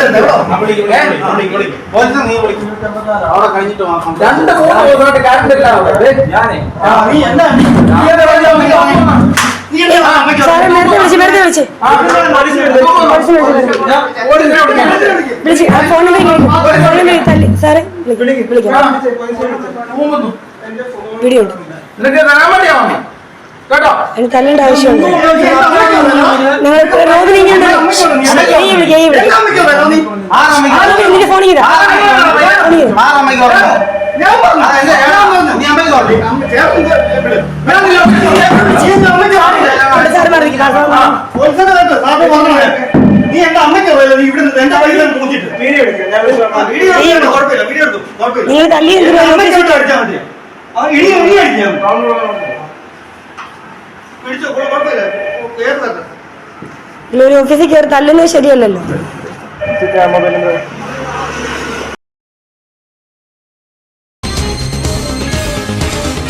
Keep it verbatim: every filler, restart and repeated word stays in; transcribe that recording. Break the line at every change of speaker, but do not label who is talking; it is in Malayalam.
രണ്ട് മൂന്ന് ദിവസമായിട്ട് കറണ്ട് ഇല്ല അവിടെ. ഞാനേ
സാറേ നേരത്തെ വിളിച്ച് നേരത്തെ വിളിച്ച് വിളിച്ച് ഫോൺ നമ്പർ തല്ലി സാറേ വിളിക്കാം. വീഡിയോ ഉണ്ട്. അതിന് തല്ലേണ്ട ആവശ്യമുണ്ട്. നിങ്ങൾ റോഡ് നീങ്ങേണ്ട നിന്റെ ഫോൺ ചെയ്താ സാറ് പറഞ്ഞു
നീ എന്റെ അമ്മയ്ക്ക്
നിങ്ങൾ തല്ലി ഒരു ഓഫീസിൽ കയറി തല്ലുന്നത് ശരിയല്ലല്ലോ.